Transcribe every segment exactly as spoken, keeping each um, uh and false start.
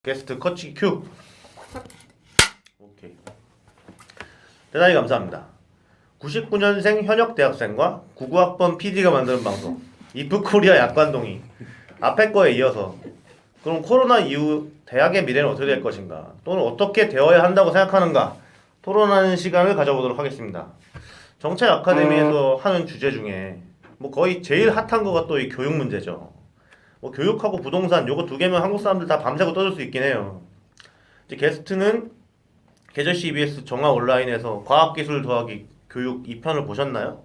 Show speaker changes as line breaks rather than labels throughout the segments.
게스트 커치 큐. 오케이. 대단히 감사합니다. 구십구 년생 현역 대학생과 구십구 학번 피디가 만드는 방송 이프코리아 약관동이 앞에 거에 이어서 그럼 코로나 이후 대학의 미래는 어떻게 될 것인가 또는 어떻게 되어야 한다고 생각하는가 토론하는 시간을 가져보도록 하겠습니다. 정책 아카데미에서 하는 주제 중에 뭐 거의 제일 핫한 거가 또 이 교육 문제죠. 뭐 교육하고 부동산 요거 두 개면 한국 사람들 다 밤새고 떠들 수 있긴 해요. 이제 게스트는 계절시 이비에스 정화 온라인에서 과학기술 더하기 교육 이 편을 보셨나요?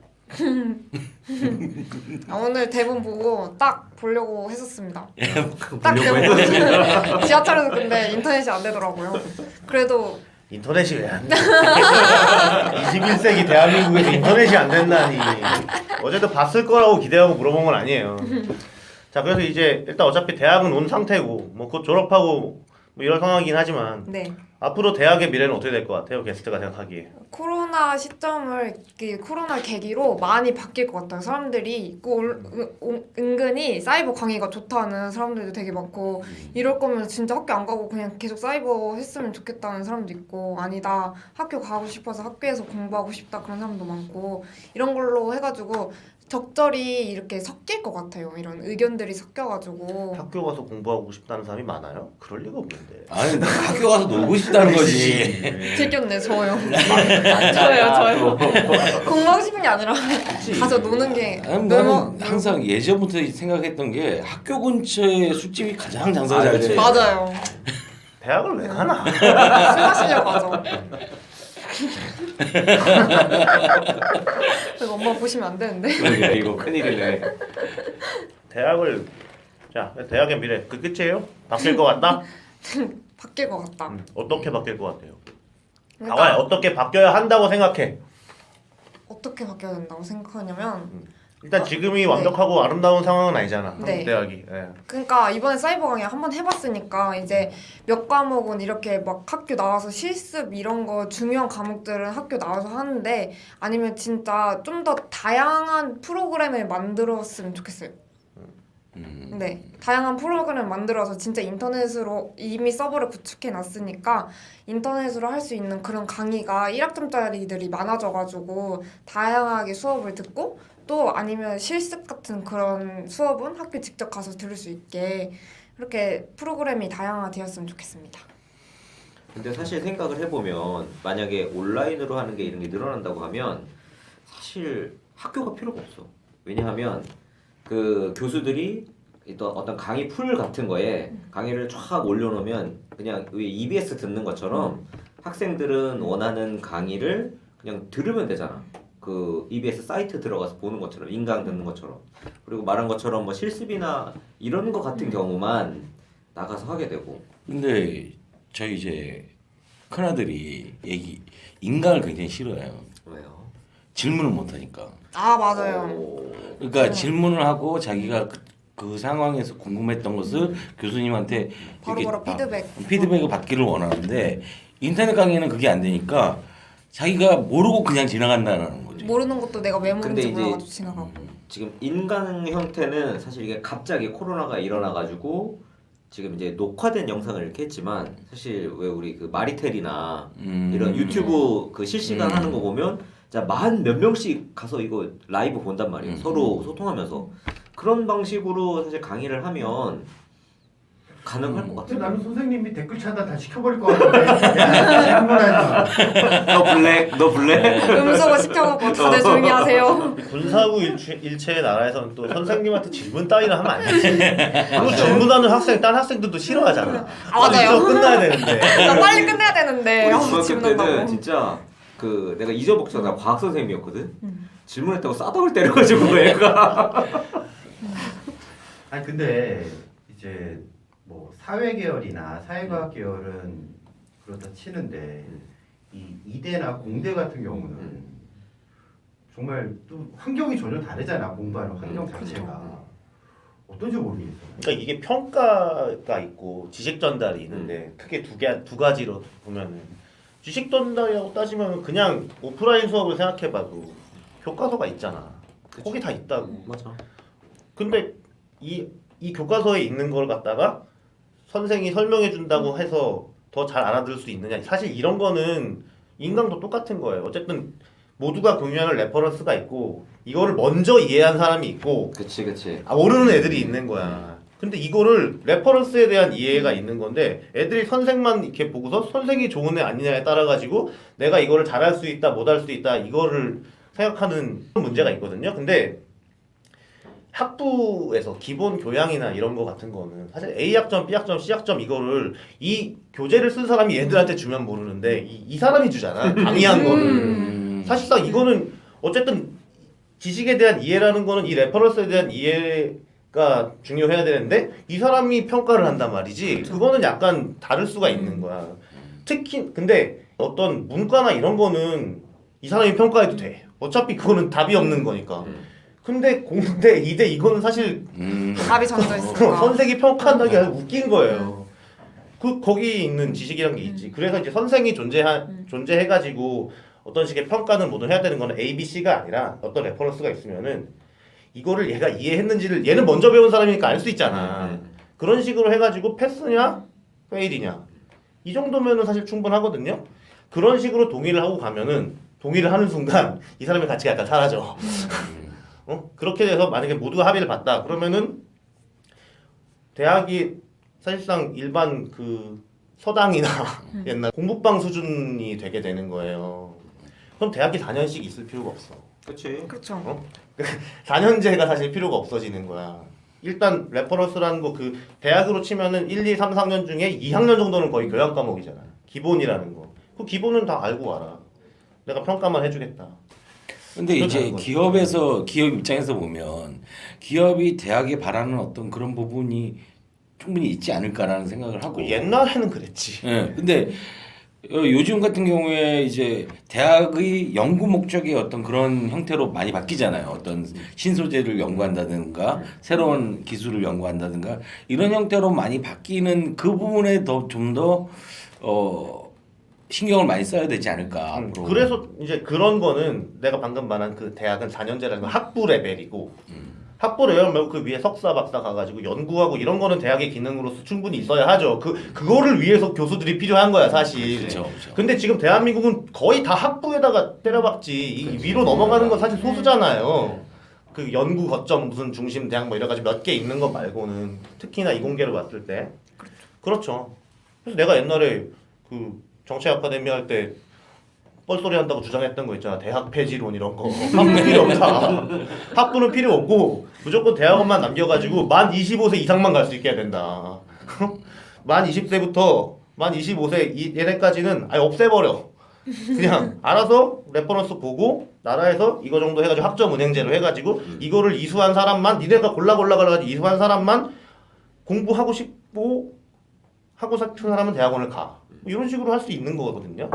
아, 오늘 대본 보고 딱 보려고 했었습니다.
예,
딱
보려고
대본
했는데
지하철에서 근데 인터넷이 안 되더라고요. 그래도
인터넷이 왜 안 돼? 이십일 세기 대한민국에서 인터넷이 안 된다니. 어제도 봤을 거라고 기대하고 물어본 건 아니에요. 자, 그래서 이제 일단 어차피 대학은 온 상태고 뭐 곧 졸업하고 뭐 이런 상황이긴 하지만
네
앞으로 대학의 미래는 어떻게 될 것 같아요? 게스트가 생각하기에.
코로나 시점을 그 코로나 계기로 많이 바뀔 것 같아요. 사람들이 그 올- 은- 은- 은근히 사이버 강의가 좋다는 사람들도 되게 많고 이럴 거면 진짜 학교 안 가고 그냥 계속 사이버 했으면 좋겠다는 사람도 있고 아니다 학교 가고 싶어서 학교에서 공부하고 싶다 그런 사람도 많고 이런 걸로 해가지고 적절히 이렇게 섞일 것 같아요. 이런 의견들이 섞여가지고
학교 가서 공부하고 싶다는 사람이 많아요? 그럴 리가 없는데.
아니 나 학교 가서 놀고 싶다는 거지.
들켰네 저요. 저요 저요. 공부하고 싶은 게 아니라 가서 노는 게
아니,
너무
나는 항상 예전부터 생각했던 게 학교 근처에 술집이 가장 장사가
아,
잘
그치.
돼.
맞아요.
대학을 왜 가나?
술 마시려고 가죠. 이거 엄마 보시면 안 되는데.
그러게 이거 큰일이네.
대학을 자 대학의 미래 그 끝이에요? 바뀔 것 같다?
바뀔 것 같다.
음, 어떻게 바뀔 것 같아요?
그러니까
나와요. 어떻게 바뀌어야 한다고 생각해?
어떻게 바뀌어야 된다고 생각하냐면
일단
어?
지금이
네.
완벽하고 아름다운 상황은 아니잖아. 한국
네.
대학이. 예.
그러니까 이번에 사이버 강의 한번 해봤으니까 이제 몇 과목은 이렇게 막 학교 나와서 실습 이런 거 중요한 과목들은 학교 나와서 하는데 아니면 진짜 좀 더 다양한 프로그램을 만들었으면 좋겠어요.
음.
네, 다양한 프로그램을 만들어서 진짜 인터넷으로 이미 서버를 구축해 놨으니까 인터넷으로 할 수 있는 그런 강의가 일 학점짜리들이 많아져가지고 다양하게 수업을 듣고 또 아니면 실습 같은 그런 수업은 학교 직접 가서 들을 수 있게 이렇게 프로그램이 다양화되었으면 좋겠습니다.
근데 사실 생각을 해보면 만약에 온라인으로 하는 게 이런 게 늘어난다고 하면 사실 학교가 필요가 없어. 왜냐하면 그 교수들이 또 어떤 강의 풀 같은 거에 강의를 쫙 올려놓으면 그냥 왜 이비에스 듣는 것처럼 학생들은 원하는 강의를 그냥 들으면 되잖아. 그 이비에스 사이트 들어가서 보는 것처럼 인강 듣는 것처럼 그리고 말한 것처럼 뭐 실습이나 이런 거 같은 경우만 나가서 하게 되고
근데 저희 이제 큰아들이 얘기 인강을 굉장히 싫어해요.
왜요?
질문을 못 하니까.
아 맞아요.
오.
그러니까
음.
질문을 하고 자기가 그, 그 상황에서 궁금했던 것을 교수님한테
바로
이렇게
바로
바-
피드백.
피드백을 받기를 원하는데 인터넷 강의는 그게 안 되니까 자기가 모르고 그냥 지나간다는 거지.
모르는 것도 내가 왜
근데
모르는지
이제
몰라가지고 지나가고.
지금 인강 형태는 사실 이게 갑자기 코로나가 일어나가지고 지금 이제 녹화된 영상을 이렇게 했지만 사실 왜 우리 그 마리텔이나
음.
이런 유튜브 그 실시간
음.
하는 거 보면 자 만 몇 명씩 가서 이거 라이브 본단 말이에요.
음.
서로 소통하면서 그런 방식으로 사실 강의를 하면 가능할 것
근데
같아요.
나는 선생님이 댓글 차다 다 시켜버릴 것 같은데. 야, 질문하지 마.
너 블랙, 너 블랙.
음소거 시켜놓고 다들 조용히 하세요.
군사구 일체, 일체의 나라에서는 또 선생님한테 질문 따위나 하면 안 되지. 그리고 질문하는 학생, 딴 학생들도 싫어하잖아.
아, 맞아요.
수업 끝나야 되는데.
나 빨리 끝내야 되는데.
우리
아,
중학교 때는
질문한다고.
진짜 그 내가 이저복자가 과학 선생님이었거든.
음.
질문했다고 싸다을 때려가지고 애가.
아니 근데 이제 뭐 사회 계열이나 사회과학 계열은 그렇다 치는데 이 이대나 공대 같은 경우는
음.
정말 또 환경이 전혀 다르잖아. 공부하는 환경
음,
자체가 어떤지 모르겠어.
그러니까 이게 평가가 있고 지식 전달이 있는데 크게 두 개, 두 가지로 보면은 지식 전달이라고 따지면 그냥 오프라인 수업을 생각해봐도 교과서가 있잖아. 거기 다 있다고.
맞아.
근데 이, 이 교과서에 있는 걸 갖다가 선생이 설명해 준다고 해서 더 잘 알아들을 수 있느냐. 사실 이런 거는 인강도 똑같은 거예요. 어쨌든 모두가 공유하는 레퍼런스가 있고 이거를 먼저 이해한 사람이 있고
그치 그치.
아, 모르는 애들이 있는 거야. 근데 이거를 레퍼런스에 대한 이해가 있는 건데 애들이 선생만 이렇게 보고서 선생이 좋은 애 아니냐에 따라 가지고 내가 이거를 잘할 수 있다 못할 수 있다 이거를 생각하는 문제가 있거든요. 근데 학부에서 기본 교양이나 이런 거 같은 거는 사실 A 학점, B 학점, C 학점 이거를 이 교재를 쓴 사람이 얘들한테 주면 모르는데 이, 이 사람이 주잖아. 강의한 거를.
음.
사실상 이거는 어쨌든 지식에 대한 이해라는 거는 이 레퍼런스에 대한 이해가 중요해야 되는데 이 사람이 평가를 한단 말이지. 그거는 약간 다를 수가 있는 거야. 특히 근데 어떤 문과나 이런 거는 이 사람이 평가해도 돼. 어차피 그거는 답이 없는 거니까.
음.
근데 공대, 이대 이거는 사실
음.
답이 정해져 있으니까.
선생이 평가한다는 게 아주 웃긴 거예요. 그 거기 있는 지식이란 게 있지. 그래서 이제 선생이 존재하 존재해가지고 어떤 식의 평가는 모두 해야 되는 거는 A, B, C가 아니라 어떤 레퍼런스가 있으면은 이거를 얘가 이해했는지를 얘는 먼저 배운 사람이니까 알 수 있잖아.
음.
그런 식으로 해가지고 패스냐, 페일이냐 이 정도면은 사실 충분하거든요. 그런 식으로 동의를 하고 가면은 동의를 하는 순간 이 사람의 가치가 약간 사라져. 어? 그렇게 돼서 만약에 모두가 합의를 봤다 그러면은 대학이 사실상 일반 그 서당이나 옛날 공부방 수준이 되게 되는 거예요. 그럼 대학이 사 년씩 있을 필요가 없어.
그치.
그렇죠.
어? 사 년제가 사실 필요가 없어지는 거야. 일단 레퍼런스라는 거 그 대학으로 치면은 일, 이, 삼, 사 학년 중에 이 학년 정도는 거의 교양 과목이잖아. 기본이라는 거. 그 기본은 다 알고 와라. 내가 평가만 해주겠다.
근데 이제
그렇다는 거죠.
기업에서 기업 입장에서 보면 기업이 대학에 바라는 어떤 그런 부분이 충분히 있지 않을까라는 생각을 하고.
그 옛날에는 그랬지.
예. 근데 어, 요즘 같은 경우에 이제 대학의 연구 목적의 어떤 그런 형태로 많이 바뀌잖아요. 어떤 신소재를 연구한다든가 새로운 기술을 연구한다든가 이런 형태로 많이 바뀌는 그 부분에 더 좀 더 어. 신경을 많이 써야 되지 않을까.
음,
앞으로.
그래서 이제 그런 거는 내가 방금 말한 그 대학은 사 년제라는 건 학부 레벨이고 학부 레벨 말고 그 위에 석사 박사 가가지고 연구하고 이런 거는 대학의 기능으로서 충분히 있어야 하죠. 그 그거를 위해서 교수들이 필요한 거야 사실.
그렇죠, 그렇죠.
근데 지금 대한민국은 거의 다 학부에다가 때려박지 이 위로 넘어가는 건 사실 소수잖아요. 그 연구 거점 무슨 중심 대학 뭐 이래 가지고 몇 개 있는 거 말고는 특히나 이공계로 봤을 때 그렇죠. 그래서 내가 옛날에 그 정치 아카데미 할 때 뻘소리 한다고 주장했던 거 있잖아. 대학 폐지론 이런 거. 학부 필요 없다. 학부는 필요 없고 무조건 대학원만 남겨가지고 만 이십오 세 이상만 갈 수 있게 해야 된다. 만 이십 세부터 만 이십오 세 이, 얘네까지는 아예 없애버려. 그냥 알아서 레퍼런스 보고 나라에서 이거 정도 해가지고 학점 은행제로 해가지고 이거를 이수한 사람만 니네가 골라 골라 가지고 이수한 사람만 공부하고 싶고 하고 싶은 사람은 대학원을 가. 이런 식으로 할 수 있는 거거든요.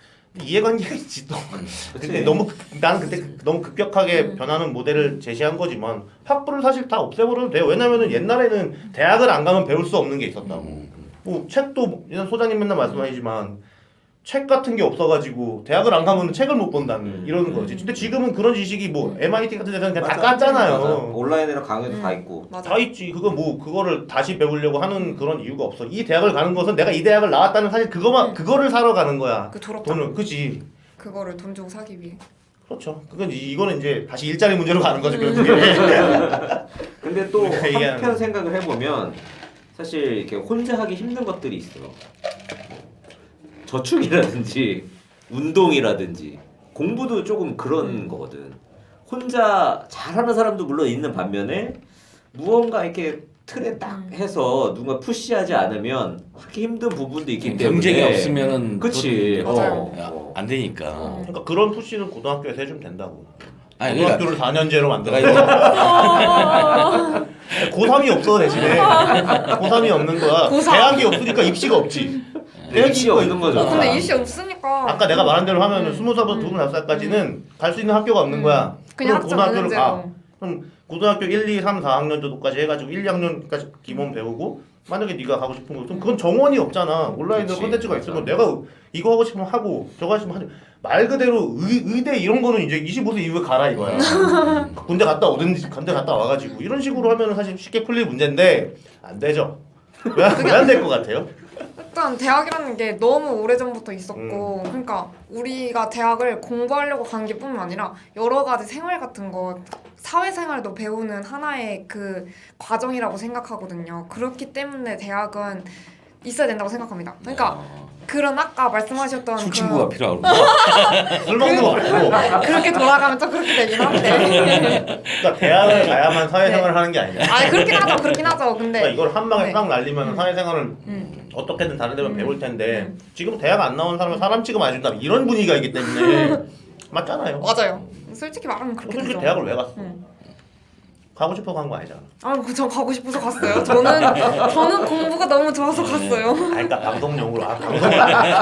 이해관계가 있지 또. 근데 너무 나는 그때 너무 급격하게 변하는 모델을 제시한 거지만 학부를 사실 다 없애버려도 돼요. 왜냐면은 옛날에는 대학을 안 가면 배울 수 없는 게 있었다고. 뭐 책도 소장님 맨날 말씀하시지만 책 같은 게 없어가지고 대학을 안 가면 책을 못 본다는 이러는 거지. 근데 지금은 그런 지식이 뭐 엠아이티 같은 데서는 그냥 다
맞아.
깠잖아요.
맞아. 온라인으로 강의도
음.
다 있고.
맞아.
다 있지. 그거 뭐 그거를 다시 배우려고 하는 그런 이유가 없어. 이 대학을 가는 것은 내가 이 대학을 나왔다는 사실 그거만
음.
그거를 사러 가는 거야.
그 졸업
돈을 그지.
그거를 돈 주고 사기 위해.
그렇죠. 그건 이- 이거는 이제 다시 일자리 문제로 가는 거죠. 결국에.
근데 또
우리가 얘기하는
한편
거.
생각을 해보면 사실 이렇게 혼자 하기 힘든 것들이 있어. 저축이라든지 운동이라든지 공부도 조금 그런 거거든. 혼자 잘하는 사람도 물론 있는 반면에 무언가 이렇게 틀에 딱 해서 누가 푸시하지 않으면 하기 힘든 부분도 있기 때문에
경쟁이 없으면은
그치.
또-
맞아요.
야,
어.
안 되니까.
그러니까 그런 푸시는 고등학교에서 해주면 된다고.
아니 그러니까
고등학교를 사 년제로 만들어.
내가
고삼이 없어 대신에. 고삼이 없는 거야.
고삼.
대학이 없으니까 입시가 없지.
입시 없는 거죠.
어, 근데 입시 없으니까.
아까 내가 말한 대로 하면은
음.
스무 살부터 두른 다섯 살까지는 갈 수 있는 학교가 없는
음.
거야.
그냥
그럼
학점
고등학교를 가.
은행제로.
그럼 고등학교 일, 이, 삼, 사 학년 정도까지 해가지고 일, 이 학년까지 기본 배우고 만약에 네가 가고 싶은 거 있으면 그건 정원이 없잖아. 온라인으로
그치,
콘텐츠가
맞아.
있으면 내가 이거 하고 싶으면 하고 저거 하고 싶으면 하지. 말 그대로 의, 의대 이런 거는 이제 이십오 세 이후에 가라 이거야. 군대 갔다 오든지 군대 갔다 와가지고 이런 식으로 하면은 사실 쉽게 풀릴 문제인데 안 되죠. 왜 안 될 것 같아요?
일단 대학이라는 게 너무 오래전부터 있었고 그러니까 우리가 대학을 공부하려고 가는 게 뿐만 아니라 여러 가지 생활 같은 거 사회생활도 배우는 하나의 그 과정이라고 생각하거든요. 그렇기 때문에 대학은 있어야 된다고 생각합니다. 그러니까
어,
그런 아까 말씀하셨던
술
그
친구가 필요하고.
술 먹는 거 말고.
그렇게 돌아가면 좀 그렇게 되긴 한데
그러니까 대학을 가야만 사회생활을 하는 게 아니냐.
아 그렇긴 하죠 그렇긴 하죠
그러니까
근데
이걸 한 방에
네.
딱 날리면
음.
사회생활을
음.
어떻게든 다른 데면
음.
배울 텐데
음.
지금 대학 안 나온 사람은 사람 취급 안 해준다 이런 분위기가 있기 때문에 맞잖아요.
맞아요 솔직히 말하면 그렇게
솔직히
되죠.
대학을 왜 갔어?
음.
가고 싶어 간 거 아니잖아.
아전 가고 싶어서 갔어요. 저는 저는 공부가 너무 좋아서 갔어요.
아, 그러니까 방송용으로 아 방송을 안 해.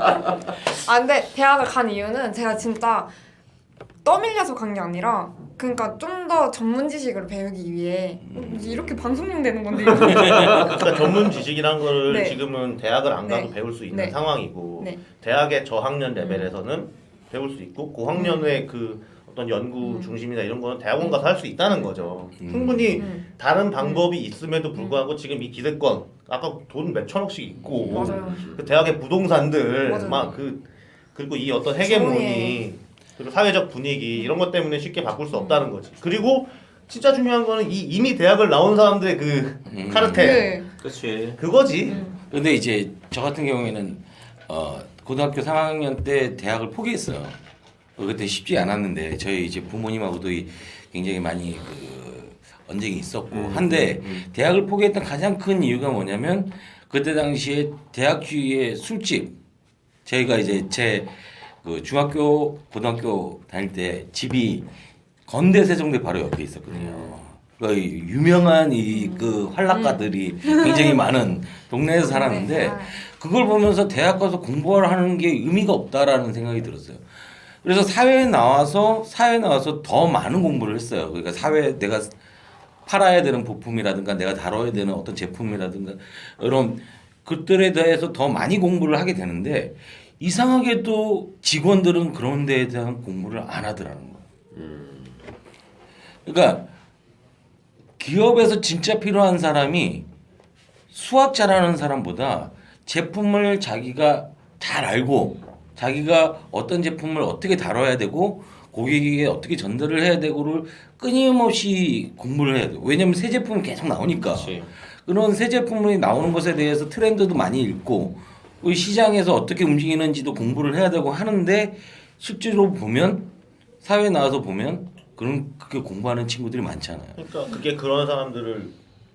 아 근데 대학을 간 이유는 제가 진짜 떠밀려서 간 게 아니라 그러니까 좀 더 전문 지식을 배우기 위해 이렇게 방송용 되는 건데 이거.
그러니까 전문 지식이란 거를
네.
지금은 대학을 안 가도
네.
배울 수 있는
네.
상황이고
네.
대학의 저학년 레벨에서는 배울 수 있고 고학년의 그 어떤 연구
음.
중심이나 이런 거는 대학원 가서 할 수 있다는 거죠.
음.
충분히
음.
다른 방법이 있음에도 불구하고 지금 이 기대권 아까 돈 몇 천억씩 있고
맞아요.
그 대학의 부동산들
맞아요.
막 그 그리고 이 어떤 헤게모니
정의의-
그리고 사회적 분위기 이런 것 때문에 쉽게 바꿀 수 없다는 거지. 그리고 진짜 중요한 거는 이 이미 대학을 나온 사람들의 그
음.
카르텔
네.
그렇지.
그거지.
음.
근데 이제 저 같은 경우에는 어, 고등학교 삼 학년 때 대학을 포기했어요. 어, 그때 쉽지 않았는데 저희 이제 부모님하고도 이 굉장히 많이 그 언쟁이 있었고
음,
한데
음,
대학을 포기했던 가장 큰 이유가 뭐냐면 그때 당시에 대학 주위의 술집 저희가 이제 제 그 중학교 고등학교 다닐 때 집이 건대 세종대 바로 옆에 있었거든요. 그 유명한 이 그 활락가들이 굉장히 많은 동네에서 살았는데
네. 아.
그걸 보면서 대학 가서 공부를 하는 게 의미가 없다라는 생각이 들었어요. 그래서 사회에 나와서 사회에 나와서 더 많은 공부를 했어요. 그러니까 사회 내가 팔아야 되는 부품이라든가 내가 다뤄야 되는 어떤 제품이라든가 이런 것들에 대해서 더 많이 공부를 하게 되는데 이상하게도 직원들은 그런 데에 대한 공부를 안 하더라는 거예요. 그러니까 기업에서 진짜 필요한 사람이 수학 잘하는 사람보다 제품을 자기가 잘 알고 자기가 어떤 제품을 어떻게 다뤄야 되고 고객에게 어떻게 전달을 해야 되고를 끊임없이 공부를 해야 돼요. 왜냐면 새 제품이 계속 나오니까.
그렇지.
그런 새 제품이 나오는 것에 대해서 트렌드도 많이 읽고 그 시장에서 어떻게 움직이는지도 공부를 해야 되고 하는데 실제로 보면 사회에 나와서 보면 그런 그게 공부하는 친구들이 많잖아요.
그러니까 그게 그런 사람들을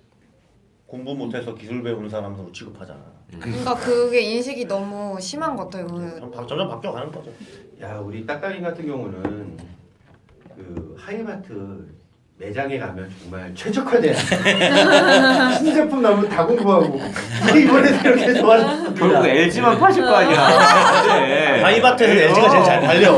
공부 못해서 기술 배우는 사람으로 취급하잖아.
그러니까 그게 인식이 너무 심한 것 같아요. 그
점점, 점점 바뀌어가는 거죠.
야 우리 딱딱이 같은 경우는 그 하이마트 매장에 가면 정말 최적화된 신제품 나오면 다 공부하고 이게 이번에 이렇게 좋아졌습니다.
결국 엘지만 파실 거 아니야. 네.
하이마트에서 엘지가 제일 잘 팔려.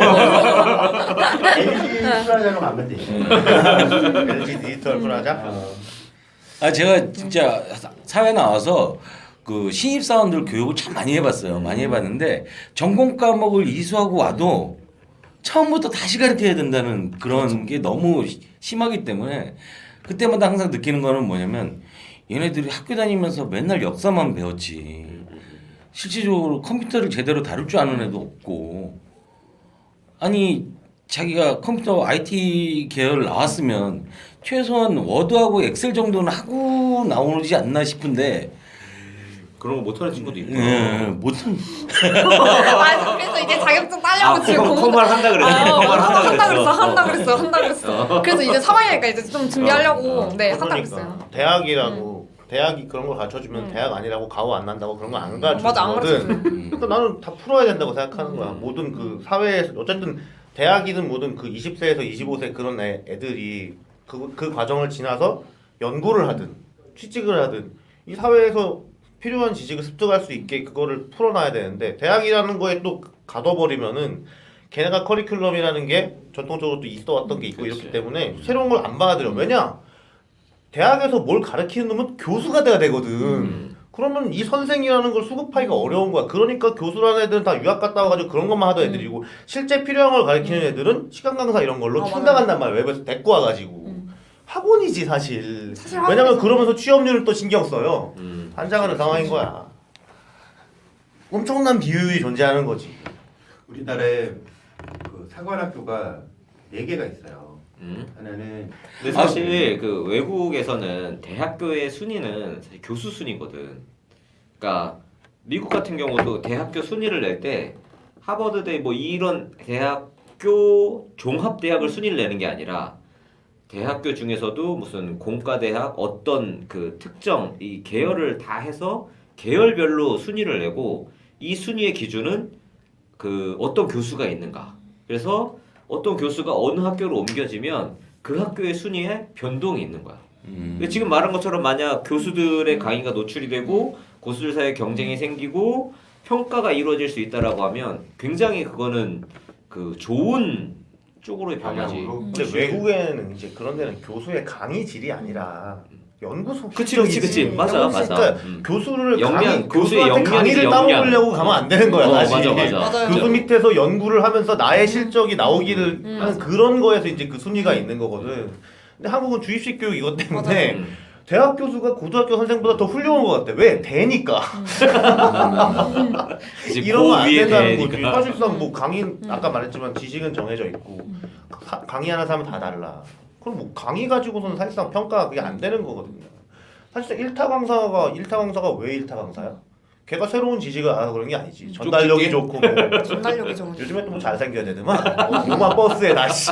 엘지 프라자로 가면 돼.
엘지 디지털 프라자.
어.
아 제가 진짜 사- 사회 나와서 그 신입 사원들 교육을 참 많이 해봤어요. 많이 해봤는데 전공 과목을 이수하고 와도 처음부터 다시 가르쳐야 된다는 그런 게 너무 시- 심하기 때문에 그때마다 항상 느끼는 거는 뭐냐면 얘네들이 학교 다니면서 맨날 역사만 배웠지 실질적으로 컴퓨터를 제대로 다룰 줄 아는 애도 없고 아니 자기가 컴퓨터 아이티 계열 나왔으면 최소한 워드하고 엑셀 정도는 하고 나오지 않나 싶은데
그런 거 못하는 친구도 있고.
예, 못한
아 그래서 이제 자격증 따려고
아,
지금
컴-
공부
컴활 한다 그랬어.
아,
컴활 한다
한다
그랬어.
그랬어 한다 그랬어 한다 그랬어 그래서 이제 삼 학년이니까 이제 좀 준비하려고
어,
네 한다
그러니까
그랬어요.
대학이라고 대학이 그런 걸 가르쳐주면
음.
대학 아니라고 가오 안 난다고 그런 거 안
맞아 안
가르쳐주거든.
가르쳐줘요.
그러니까 나는 다 풀어야 된다고 생각하는 거야. 모든 그 사회에서 어쨌든 대학이든 뭐든 그 이십 세에서 이십오 세 그런 애, 애들이 그, 그 과정을 지나서 연구를 하든 취직을 하든 이 사회에서 필요한 지식을 습득할 수 있게 그거를 풀어놔야 되는데 대학이라는 거에 또 가둬버리면은 걔네가 커리큘럼이라는 게 전통적으로 또 있어왔던 게 있고
그치.
이렇기 때문에 새로운 걸 안 받아들여. 왜냐? 대학에서 뭘 가르치는 놈은 교수가 돼야 되거든.
음.
그러면 이 선생이라는 걸 수급하기가 어려운 거야. 그러니까 교수라는 애들은 다 유학 갔다 와가지고 그런 것만 하던 애들이고 실제 필요한 걸 가르치는 애들은 시간 강사 이런 걸로
아,
충당한단 말이야. 웹에서 데리고 와가지고.
음.
학원이지 사실.
사실
왜냐면
학원이죠.
그러면서 취업률을 또 신경 써요.
음.
환장하는 상황인 거야. 엄청난 비효율이 존재하는 거지.
우리나라에 그 사관학교가 네 개가 있어요.
음.
하나는
근데 사실 그 외국에서는 대학교의 순위는 사실 교수 순위거든. 그러니까 미국 같은 경우도 대학교 순위를 낼 때 하버드대 뭐 이런 대학교 종합 대학을 순위를 내는 게 아니라 대학교 중에서도 무슨 공과 대학 어떤 그 특정 이 계열을 다 해서 계열별로 순위를 내고 이 순위의 기준은 그 어떤 교수가 있는가. 그래서 어떤 교수가 어느 학교로 옮겨지면 그 학교의 순위에 변동이 있는 거야.
음.
근데 지금 말한 것처럼 만약 교수들의 강의가 노출이 되고 고수들 사이에 경쟁이 생기고 평가가 이루어질 수 있다라고 하면 굉장히 그거는 그 좋은 쪽으로의 변화지.
방향으로.
근데 외국에는 이제 그런 데는 교수의 강의 질이 아니라 연구소
그치 그치 그치
실적이지.
맞아 맞아.
그러니까
음.
교수를
역량,
강의,
교수의
교수한테
역량이지,
강의를
역량.
따먹으려고 가면 안 되는 거야
어,
사실.
맞아 맞아.
맞아요.
교수 밑에서 연구를 하면서 나의 실적이 나오기를
음.
하는 그런 거에서 이제 그 순위가 있는 거거든. 근데 한국은 주입식 교육 이것 때문에
음.
대학 교수가 고등학교 선생보다 더 훌륭한 것 같아. 왜? 대니까.
이제
이러면 안
고위에
된다는 거지.
대니까.
사실상 뭐 강의 아까 말했지만 지식은 정해져 있고 사- 강의하는 사람은 다 달라. 그럼 뭐 강의 가지고서는 사실상 평가가 그게 안 되는 거거든요. 사실상 일타 강사가 일타 강사가 왜 일타 강사야? 걔가 새로운 지식을 알아서 그런 게 아니지. 전달력이
쪽집게?
좋고 뭐.
전달력이 좋은.
요즘에 또 뭐 잘생겨야 되더만. 오만 버스에 다시.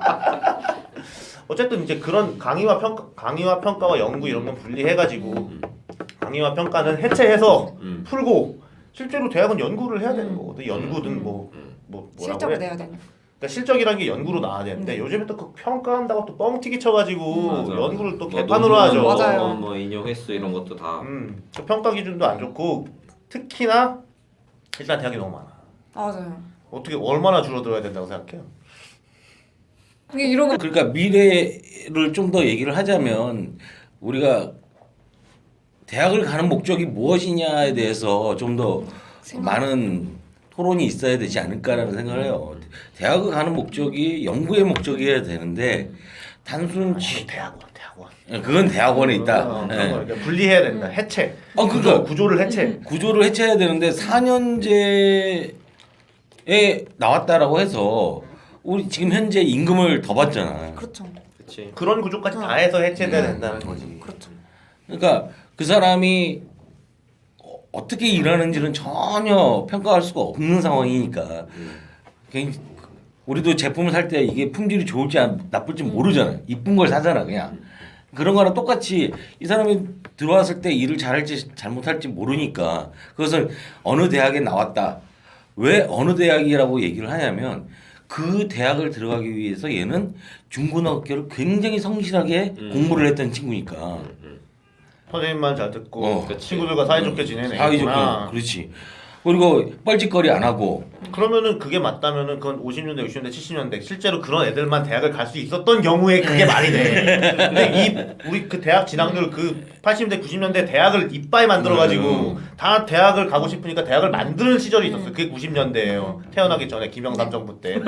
어쨌든 이제 그런 강의와 평가, 강의와 평가와 연구 이런 건 분리해가지고 강의와 평가는 해체해서
음.
풀고 실제로 대학은 연구를 해야 되는
음.
거거든. 연구든 뭐,
음.
뭐 뭐라고
실적을
그래?
내야 되니까.
그러니까 실적이란 게 연구로 나와야 되는데
음.
요즘에 또 그 평가한다고 또 뻥튀기 쳐가지고
맞아.
연구를 또
뭐
개판으로
논문,
하죠.
맞아요.
뭐 인용 횟수 이런 것도 다.
음, 그 평가 기준도 안 좋고 특히나 일단 대학이 너무 많아.
맞아요.
어떻게 얼마나 줄어들어야 된다고 생각해요?
이게 이런 거
그러니까 미래를 좀 더 얘기를 하자면 우리가 대학을 가는 목적이 무엇이냐에 대해서 좀 더
생각-
많은 토론이 있어야 되지 않을까라는 생각을 해요. 대학을 가는 목적이 연구의 목적이어야 되는데 단순 지-
대학원, 대학원.
그건 대학원에
어,
있다.
그런 거
예.
그러니까 분리해야 된다. 해체.
어,
구조,
그러니까.
구조를 해체.
구조를 해체해야 되는데 사 년제에 나왔다라고 해서 우리 지금 현재 임금을 더 받잖아.
그렇죠.
그치.
그런 구조까지
어.
다 해서 해체돼야
음.
된다는 거지.
그렇죠.
그러니까 그 사람이 어- 어떻게 일하는지는 전혀 평가할 수가 없는 상황이니까 그냥 우리도 제품을 살 때 이게 품질이 좋을지 안- 나쁠지 모르잖아요. 이쁜 걸 사잖아 그냥. 그런 거랑 똑같이 이 사람이 들어왔을 때 일을 잘할지 잘못할지 모르니까 그것을 어느 대학에 나왔다. 왜 어느 대학이라고 얘기를 하냐면 그 대학을 들어가기 위해서 얘는 중고등학교를 굉장히 성실하게
음.
공부를 했던 친구니까.
음.
선생님만 잘 듣고
어.
그치.
친구들과 사이좋게 지내는
사회적
애구나.
그렇지. 그리고 뻘짓거리 안 하고
그러면은 그게 맞다면은 그건 오십 년대, 육십 년대, 칠십 년대 실제로 그런 애들만 대학을 갈 수 있었던 경우에 그게 말이 돼. 근데 이 우리 그 대학 진학률 그 팔십 년대, 구십 년대 대학을 이빠이 만들어 가지고 다 대학을 가고 싶으니까 대학을 만드는 시절이 있었어. 그게 구십 년대예요. 태어나기 전에 김영삼 정부 때.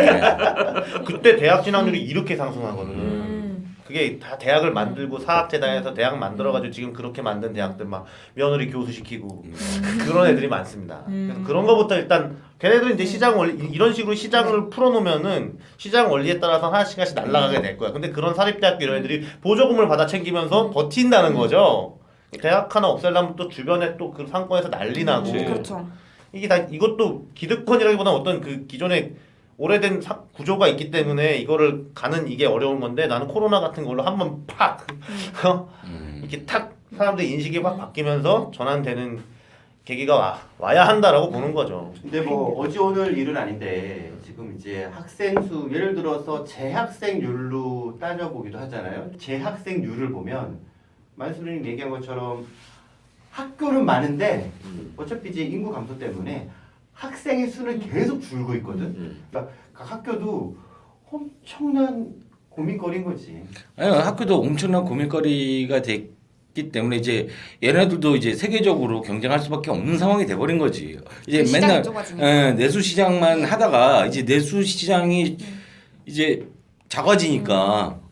그때 대학 진학률이 이렇게 상승하거든.
음.
그게 다 대학을 만들고 사학재단에서 대학 만들어가지고 지금 그렇게 만든 대학들 막 며느리 교수 시키고 그런 애들이 많습니다. 그래서 그런 거부터 일단 걔네들은 이제 시장 원리 이런 식으로 시장을 풀어놓으면은 시장 원리에 따라서 하나씩 하나씩 날아가게 될 거야. 근데 그런 사립대학교 이런 애들이 보조금을 받아 챙기면서 버틴다는 거죠. 대학 하나 없애려면 또 주변에 또 그 상권에서 난리 나고
그치.
그렇죠.
이게 다 이것도 기득권이라기보다는 어떤 그 기존의 오래된 사, 구조가 있기 때문에 이거를 가는 이게 어려운 건데 나는 코로나 같은 걸로 한번 팍 어? 이렇게 탁 사람들 인식이 확 바뀌면서 전환되는 계기가 와, 와야 한다라고 보는 거죠.
근데 뭐 어제 오늘 일은 아닌데 지금 이제 학생 수 예를 들어서 재학생률로 따져보기도 하잖아요. 재학생률을 보면 만수르님 얘기한 것처럼 학교는 많은데 어차피 이제 인구 감소 때문에 학생의 수는 계속 줄고 있거든.
음.
그러니까 각 학교도 엄청난 고민거리인 거지.
아니, 학교도 엄청난 고민거리가 됐기 때문에 이제 얘네들도 이제 세계적으로 경쟁할 수밖에 없는 상황이 돼버린 거지. 이제
그 시장이
맨날
좁아지니까.
예, 내수 시장만 하다가 이제 내수 시장이 이제 작아지니까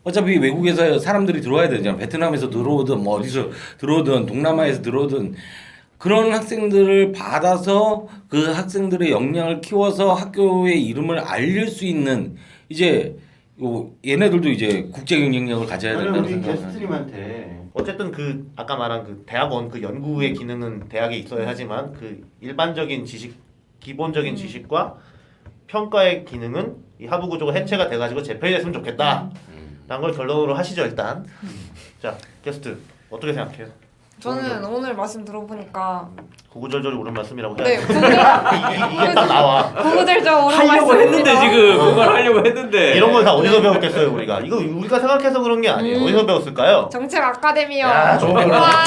어차피 외국에서 사람들이 들어와야 되잖아. 베트남에서 들어오든 뭐 어디서 들어오든 동남아에서 들어오든 그런 학생들을 받아서 그 학생들의 역량을 키워서 학교의 이름을 알릴 수 있는 이제 요 얘네들도 이제 국제 경쟁력을 가져야
저는
된다는
우리
생각을
게스트님한테
어쨌든 그 아까 말한 그 대학원 그 연구의 기능은 대학에 있어야 하지만 그 일반적인 지식 기본적인
음.
지식과 평가의 기능은 이 하부 구조가 해체가 돼가지고 재편이 됐으면 좋겠다. 라는 걸 결론으로 하시죠 일단. 자 게스트 어떻게 생각해요?
저는 오늘 말씀 들어보니까
구구절절이 옳은 말씀이라고 해야
네
돼.
구구절
이게, 이게 딱 나와.
구구절절 옳은
하려고 했는데
말씀입니다.
지금 그걸 하려고 했는데
이런 걸 다 어디서 배웠겠어요 우리가? 이거 우리가 생각해서 그런 게 아니에요.
음.
어디서 배웠을까요?
정책 아카데미요.
야, 좋은 거
와.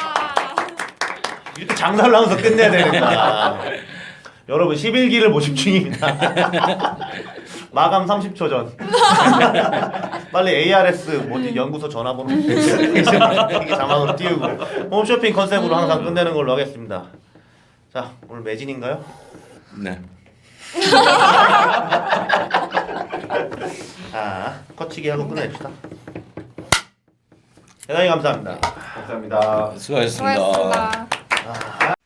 이렇게 장사를 하면서 끝내야 되니까. 여러분 십일 기를 모집 중입니다. 마감 삼십 초 전. 빨리 에이알에스 뭐지 연구소 전화번호 이게 자막으로 띄우고 홈쇼핑 컨셉으로 항상 끝내는 걸로 하겠습니다. 자 오늘 매진인가요?
네.
아 거치기 하고 끝내줍시다. 대단히 감사합니다.
감사합니다.
수고하셨습니다.
수고하셨습니다.